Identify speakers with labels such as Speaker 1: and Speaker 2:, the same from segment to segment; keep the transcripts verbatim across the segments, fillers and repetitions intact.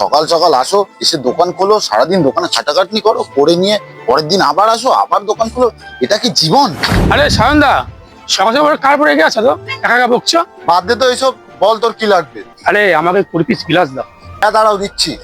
Speaker 1: সকাল সকাল আসো, এসে দোকান খোলো, সারাদিন দোকানে খাটাখাটনি করো, করে নিয়ে পরের দিন আবার আসো, আবার দোকান খোলো। এটা কি জীবন?
Speaker 2: আরে সায়নদা, সকাল সকাল কার পরে গেছে তো একা একা বকছো?
Speaker 1: বাদ দে তো এইসব, বল তোর কি লাগবে।
Speaker 2: আরে আমাকে কুড়ি পিস গিলাস দাও।
Speaker 1: হ্যাঁ দাঁড়াও, দিচ্ছি।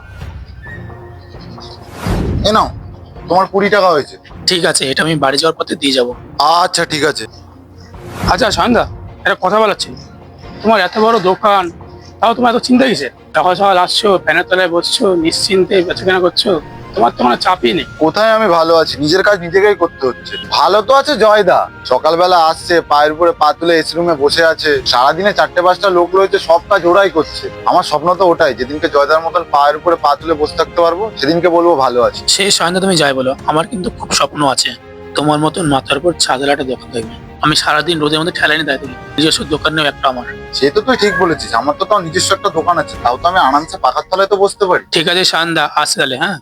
Speaker 1: এ নাও, তোমার কুড়ি টাকা হয়েছে।
Speaker 2: ঠিক আছে, এটা আমি বাড়ি যাওয়ার পথে দিয়ে যাবো।
Speaker 1: আচ্ছা ঠিক আছে।
Speaker 2: আচ্ছা সায়নদা, একটা কথা বলার ছিল। তোমার এত বড় দোকান, তাও তোমার এত চিন্তা কিসে? সকাল সকাল আসছো, ফ্যানের তলায় বসছো, নিশ্চিন্তে বেচাকেনা করছো, তোমার তো কোনো চাপই নেই।
Speaker 1: কোথায় আমি ভালো আছি? নিজের কাজ নিজেকেই করতে হচ্ছে। ভালো তো আছে জয়দা, সকালবেলা আসছে, পায়ের উপরে পা তুলে এসি রুমে বসে আছে, সারাদিনে চারটে পাঁচটা লোক রয়েছে, সব কাজ ওরাই করছে। আমার স্বপ্ন তো ওটাই, যেদিনকে জয়দার মতন পায়ের উপরে পা তুলে বসে থাকতে পারবো, সেদিনকে বলবো ভালো আছি।
Speaker 2: সেই সায়নদা, তুমি যাই বলো, আমার কিন্তু খুব স্বপ্ন আছে তোমার মতন মাথার উপর ছাদের একটা দোকান থাকবে। আমি সারাদিন রোদের মধ্যে ঠেলা নিয়ে দাঁড়িয়ে থাকি, নিজস্ব দোকান নেই একটা আমার।
Speaker 1: সে তো তুই ঠিক বলেছিস, আমার তো তাও নিজস্ব একটা দোকান আছে, তাও তো আমি আরামসে পাখার তলায় তো বসতে পারি।
Speaker 2: ঠিক আছে সায়নদা, আসে তাহলে। হ্যাঁ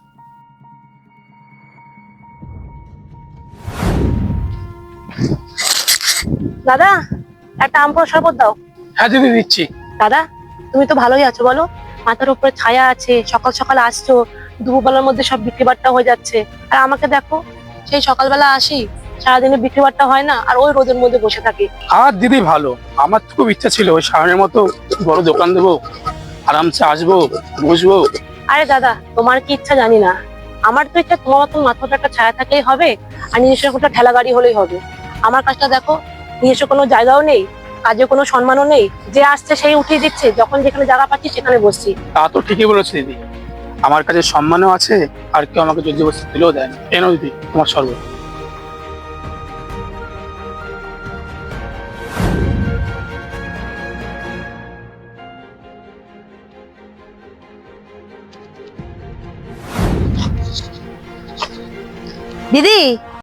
Speaker 3: দাদা, একটা আম পোড়া শরবত দাও।
Speaker 2: হ্যাঁ দিদি, দিচ্ছি।
Speaker 3: দাদা, তুমি তো ভালোই আছো বলো? মাথার উপরে ছায়া আছে, সকাল সকাল আসছো, দুপুরবেলার মধ্যে সব বিক্রি বাট্টা হয়ে যাচ্ছে। আর আমাকে দেখো, সেই সকালবেলা আসি, সারাদিনে বিক্রি বাট্টা হয় না, আর ওই রোদের মধ্যে বসে থাকি।
Speaker 2: আর দিদি ভালো, আমার তো খুব ইচ্ছা ছিল ওই সায়নের মতো বড় দোকান দেবো, আরামসে আসবো, বসবো।
Speaker 3: আরে দাদা, তোমার কি ইচ্ছা জানি না, আমার তো ইচ্ছা তোমার মতন মাথাটা একটা ছায়া থাকলেই হবে, আর নিজস্ব একটা ঠেলা গাড়ি হলেই হবে। আমার কাজটা দেখো, নিজস্ব কোনো জায়গাও নেই, কাজে কোনো সম্মানও নেই, যে আসছে সেই উঠিয়ে দিচ্ছে, যখন যেখানে জায়গা পাচ্ছি সেখানে বসছি।
Speaker 2: তা তো ঠিকই বলেছে দিদি, আমার কাছে সম্মানও আছে, আর কেউ আমাকে যদি বসে দিলেও দেয় না। কেন দিদি, তোমার শরবত।
Speaker 3: দিদি,